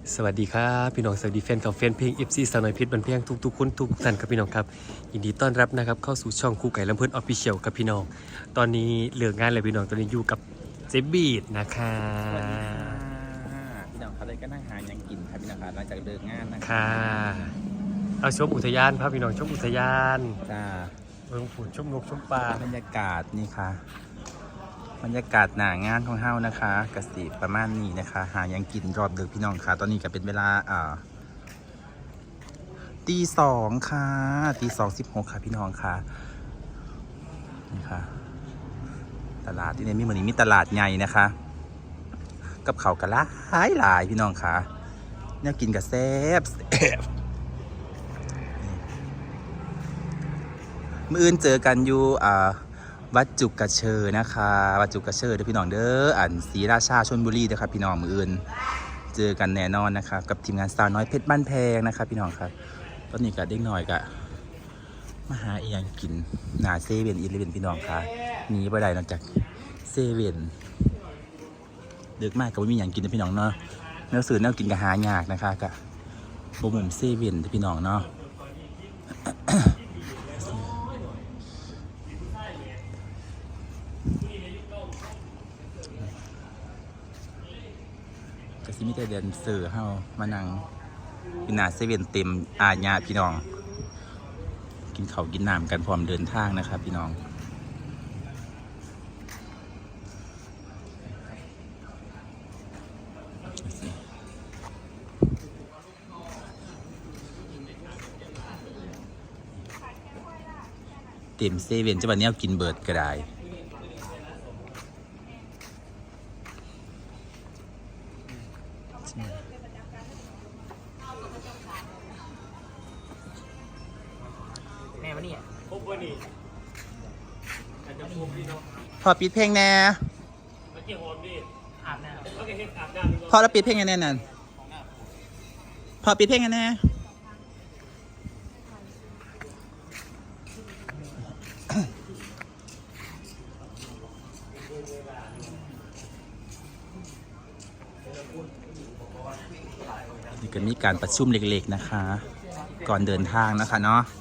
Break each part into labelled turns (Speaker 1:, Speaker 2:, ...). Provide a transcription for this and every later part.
Speaker 1: สวัสดีครับพี่น้องสวัสดีแฟนกับแฟนเพลง FC สาวน้อยเพชรบันเพียงทุกๆคนทุกท่านครับพี่น้องครับยินดีต้อนรับนะครับเข้าสู่ช่องคู่ไก่ลำเพิ่นออฟฟิเชียลครับพี่น้องตอนนี้เลิกงานแล้วพี่น้องตอนนี้อยู่กับเจบีดนะคะ
Speaker 2: สวัสดีค่ะพี่น้องครับเลยก็นั่งหายังกินครับพี่น้องครับหลังจากเลิกงานนะครั
Speaker 1: ค่ะเอาชมอุทยานพาพี่น้องชมอุทยาน
Speaker 2: จ้า
Speaker 1: เมืองฝุนชมนกชมปลา
Speaker 2: บรรยากาศนี่ค่ะบรรยากาศหน้างานของเฮานะคะกสิประมาณนี้นะคะหายังกินรอบดึกพี่น้องค่ะตอนนี้ก็เป็นเวลาตีสองค่ะตี 2:16ค่ะพี่น้องค่ะนี่ค่ะตลาดที่นี่มีเหมือนมีตลาดใหญ่นะคะกับเขาวกะละหลายพี่น้องค่ะเนี่ยกินกับแซ่บมื้ออื่นเจอกันอยู่วัดจุกกระเชอนะคะวัดจุกกระเชอเด้อพี่น้องเด้อศรีราชาชลบุรีเด้อครับพี่น้องมื้ออื่นเจอกันแน่นอนนะครับกับทีมงานสาวน้อยเพชรบ้านแพงนะครับพี่น้องครับตอนนี้ก็เด็กหน่อยก็มาหาเอียงกินหน้าเซเว่นอีเลฟเว่นพี่น้องค่ะหนีบ่ได้นอกจากเซเว่นดึกมากก็ไม่มีอย่างกินนะพี่น้องเนาะแนวสื่อแนวกินก็หายากนะคะก็บ่มุมเซเว่นพี่น้องเนาะก็สิมีแต่เดินเสือเฮามานั่งกินหน้าเซเว่นเต็มอาญาพี่น้องกินข้าวกินน้ำกันพร้อมเดินทางนะครับพี่น้องเต็มเซเว่นจะวันนี้กินเบิร์ดก็ได้
Speaker 3: แม่วะเนี่ยพบวันนี้อาจจะพบดีเนาะ
Speaker 2: พอปิดเพลงแน่
Speaker 3: เมื่อกี้โฮมดิอาบน้ำเมื่อกี้เห็นอาบน้ำ
Speaker 2: พอเราปิดเพลงแน่นั่นพอปิดเพลงแน่นี่ก็มีการประชุมเล็กๆนะคะก่อนเดินทางนะคะเนาะ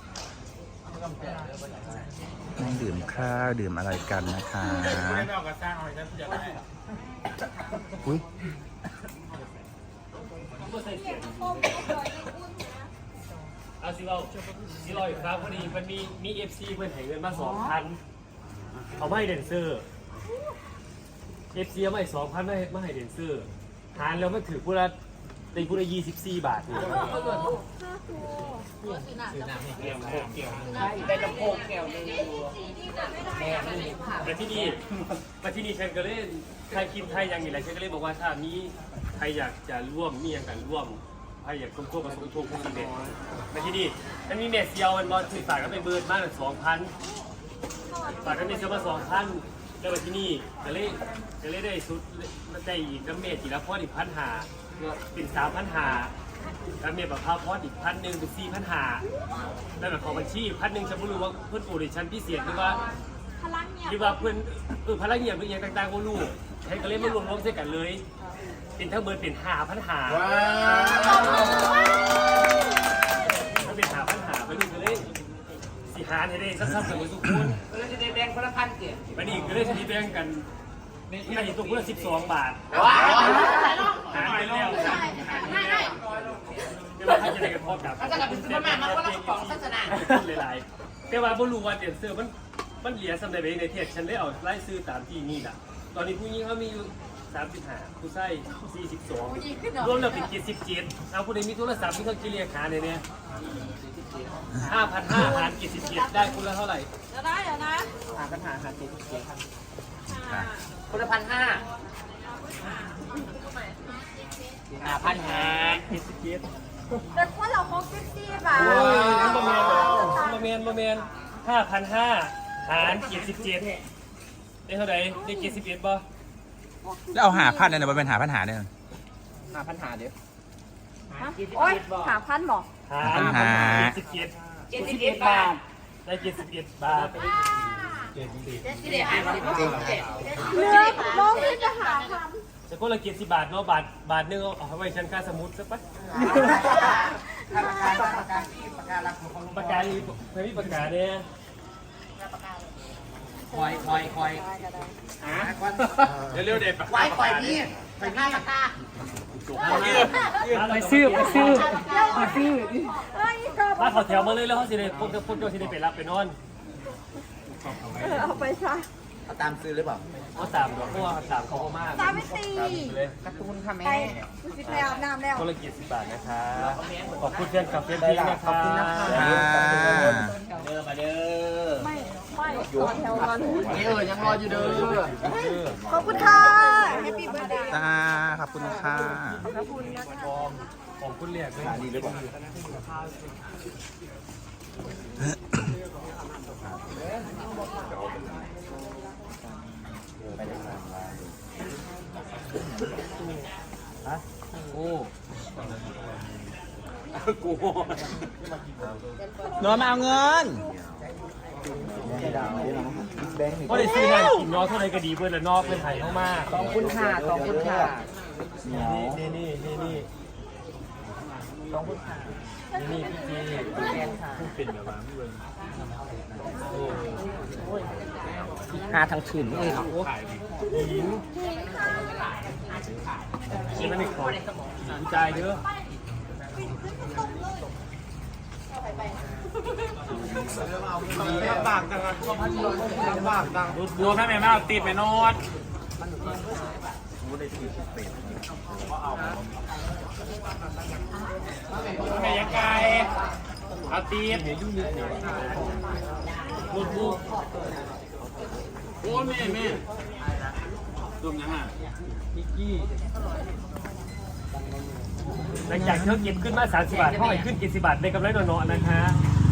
Speaker 2: นั่งดื่มข้าวดื่มอะไรกันนะคะอุ้ย
Speaker 3: เอาสิเราอีกครั้งพอดีมันมี FC เพื่อนให้เงินมา 2,000เขาไม่ให้เดนเซอร์ FC เอาไม่2,000ไม่ให้เดนเซอร์หารแล้วมันถือพูดละตีพูดละ24 บาทนี่ได้ลำโพงแก้วนึงมาที่นี่ฉันก็เล่นไทยคิมไทยอย่างนี้แหละฉันก็เลยบอกว่าถ้ามีใครอยากจะร่วมมีอย่างกันร่วมใครอยากควบกับสมทบทุนเด็ดมาที่นี่มันมีเมสเซียวมันบอลสื่อสารก็เป็นเบิร์ดมาก2,000ฝากกันเมสเซียวมา 2,000แล้วมาที่นี่ก็เลยได้สุดได้อีกน้ำเมสจีละพอดอีก1,500เป็น3,500แล้วเมสแบบพาพอดอีก1,000เป็น4,500แล้วแบบของบัญชี1,000ฉันไม่รู้ว่าเพื่อนปูดิฉันพิเศษหรือว่าเพื่อนพลังเงียบหรืออย่างต่างๆก็รู้ใช้ก็เลยมารวมเส้นกันเลยเป็นทั้งเบิร์ดเป็น5,500ถ้าเป็น5,500ไปดูกันเลยสิหารให้ได้ซ้ำๆกันทุกคนแล้วจะได้แบ่งคนละ1,000เกี่ยวันนี้ก็เลยจะแบ่งกันที่ไหนตัวคนละ12 บาทหารไปแล้วไม่ว่าใครจะได้กันพอกับแต่เป็นซื้อมาคนละกระป๋องศาสนาหลายๆแต่ว่าบรู้ว่าเดนเซอร์มันเหลียสำหรับในเทศฉันได้เอาไล่ซื้อตามที่นี่แหละตอนนี้ผู้หญิงเขามีอยู่35ผู้ชาย42รวมแล้วเป็น77เอาผู้ใดมีโทรศัพท์มีเครื่องคิดเลขหาเนี่ย5,500 หาร77ได้คุณละเท่าไหร่
Speaker 4: ได้นะ
Speaker 3: 5,500 หาร77ครับ
Speaker 4: คนละ1,500 เป็นว่าเรา60 บาท
Speaker 3: โมเมน5,500 หาร77ได้เท่าไหร่ได้71ป่ะ
Speaker 2: แล้วเอา5,000เนี่ยมันเป็น5,500เนี่ย
Speaker 3: 5,500เดี๋ยว
Speaker 4: โอ้ย5,000หรอ
Speaker 3: 77บาทได้71 บาท
Speaker 4: เลือกน้องที่จะ5,000
Speaker 3: จะก็ละเกียร10 บาทเนาะบาทนึงเอาไว้ชั้นค่าสมุดสักปะปากกาลีไม่มีปากกาเนี่ยคอยเร็วๆเด็ดปากกาคอยพี่ไปหน้าปากกาไปซื้อมาขอแถวมาเลยแล้วเขาสิได้พวกเจ้าสิได้ไปรับไปนอน
Speaker 4: เอาไปซะ
Speaker 2: เอาตามซื้อหรือเปล่า
Speaker 3: เอา3 ดอกเพราะว่า3เขาก็มาก
Speaker 4: ตามไม่ตี
Speaker 3: เลย
Speaker 2: การ์ตูนค่ะ
Speaker 4: ไป
Speaker 2: แม่
Speaker 4: ดูสิแล้วน้ำแล้ว
Speaker 3: ก็ละเกียร10 บาทนะคะขอบคุณเพื่อนกับเพื่อนพี่นะคะ
Speaker 2: ขอบคุณนะคะ
Speaker 4: ไม่ต่อแถวก่อน
Speaker 2: ยังรออยู่เด้อ
Speaker 4: ขอบคุณค่ะแฮปปี้เบิร์ดเดย์
Speaker 2: จ้าขอบคุณค่ะ
Speaker 4: ขอบคุณนะคะ
Speaker 3: ของคุณเรียกด้วย
Speaker 2: ดีหรือเปล่าโน้ตมาเอาเงิน
Speaker 3: ก็ได้ซื้อนั่นกินน้อยเท่าไรก็ดีเพื่อนละนอกเพื่อนไทยเข้ามา
Speaker 2: ขอบคุณค่ะขอบคุณค่ะ
Speaker 3: นี่ขอบคุณค่ะนี่พี่พูดเป็นแบบว่าไม่เวิร์น
Speaker 2: หาทางขึ้นเลยครับ
Speaker 3: หญิงนี่มันอีกของสนใจเด้อลำบากจังอะลำบากจังดูถ้าแม่ไม่เอาติดไปนอดแม่ยังไงเอาตีดลูกบุกโอ้แม่รวมยังอ่ะมิกกี้หลังจากเธอเก็บขึ้นมา30 บาทพ่อให้ขึ้น70 บาทในกำไรน้อยๆนะคะ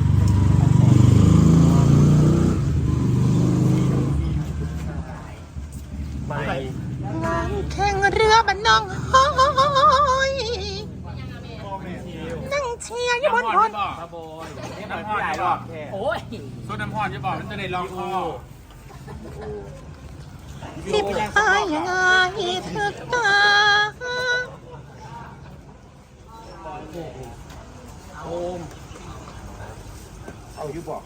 Speaker 3: ไม่
Speaker 2: แข่งเรือบันนองห้อยนั่งเชียร์อยู่บนพน
Speaker 3: ป้าบอยน้ำพอนจะบอกโอ้ยส่วนน้ำพอนจะบอกมันจะได้ลองคอ
Speaker 2: สิบหายยังไงเธอตา
Speaker 3: โอมเอาอยู่บอก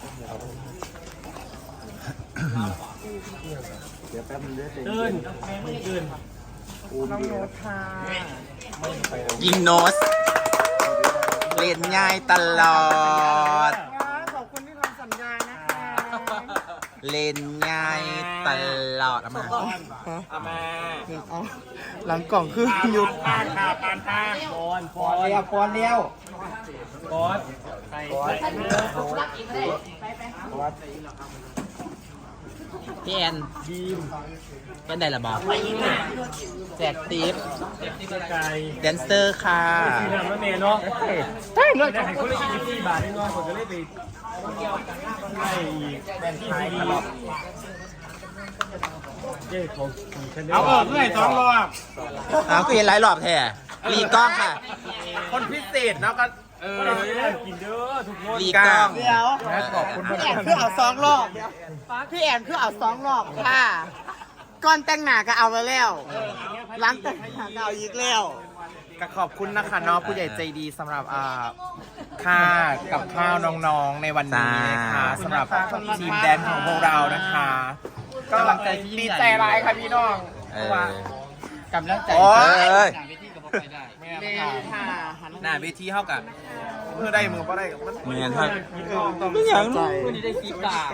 Speaker 3: เดี๋ยวแป๊บนึงเดินน้องโน้ตค่ะ
Speaker 2: ยิงโนสเล่นง่ายตลอด
Speaker 5: ขอบคุณที่ทำสัญญานะคะ
Speaker 2: เล่นง่ายตลอดเอามา
Speaker 3: เอามา
Speaker 5: หลังกล่องคือหยุด
Speaker 3: ปานค่ะปานค่ะปอน
Speaker 5: เลี้ยวปอนเลี้ยว
Speaker 3: ปอนใส่
Speaker 2: พี่แอน
Speaker 3: บีม
Speaker 2: เป็นไดละบอกแจกทิป
Speaker 3: ที่ไก่
Speaker 2: แดนเซอร์ค่ะ
Speaker 3: ที่ทำแล้วเมย์เนาะได้ให้คนละ24 บาทน้อยผมก็เลยไปให้อีกแบนที่ซีดีเจ้ของฉันเอาเพื่อให้2 รอบ
Speaker 2: เอาคือเห็นหลายรอบแท้รีกล้องค่ะ
Speaker 3: คนพิเศษเนาะก็กินเด้อทุกคน
Speaker 2: รีกล้อง
Speaker 5: เดี๋ยวขอบคุณพี่แอนคือเอา2 รอบพี่แอนคือเอา2 รอบค่ะก่อนแต่งหน้าก็เอาไปแล้วหลังแต่งหน้าก็เอาอีกแล้ว
Speaker 6: ก็ขอบคุณนะคะเนาะผู้ใหญ่ใจดีสำหรับค่ากับข้าวน้องๆในวันนี้นะคะสำหรับทีมแดนของพวกเรานะคะก็ดีใจร้ายค่ะพี่น้อง
Speaker 2: เออ
Speaker 6: กำลังใจ
Speaker 2: โอ้ย
Speaker 5: ค่ะหัน
Speaker 6: หน้าเวทีเท่ากันเพื่อได้มือก็ได้มัน
Speaker 2: เหมือนครับ
Speaker 6: ต้อง
Speaker 2: ไม่อยากรู้
Speaker 6: วันนี้ได้คลิปตา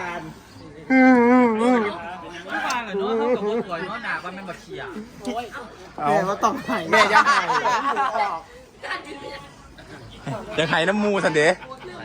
Speaker 5: แม่ก็ต้องให้
Speaker 6: แม่ยังไง
Speaker 2: ยังไห้น้ำมูสันเดะ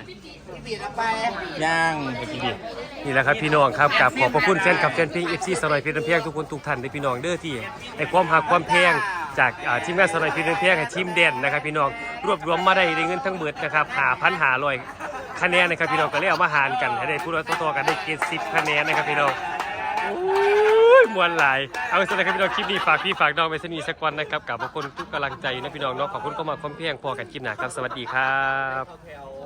Speaker 2: ย่าง
Speaker 1: นี่แหละครับพี่น้องครับกับขอบพระคุณแฟนคลับแฟนเพลง FC สนอยเพชรเพียงทุกคนทุกท่านในพี่น้องเด้อที่ให้ความหักความแพงจากทีมงานสนอยเพชรเพียงให้ทีมเด่นนะครับพี่น้องรวบรวมมาได้เงินทั้งหมดนะครับ5,500คะแนนนะครับพี่น้องก็เลยเอามาหารกันให้ได้พูดต่อๆกันได้เกณฑ์10คะแนนนะครับพี่น้องโอ้ยมวนหลายเอาสำหรับพี่น้องคลิปนี้ฝากพี่ฝากน้องไปสนีสักวันนะครับกับขอบคุณทุกกำลังใจนะพี่น้องเนาะขอบคุณก็มาความเพียงพอกันคลิปหน้าครับสวัสดีครับ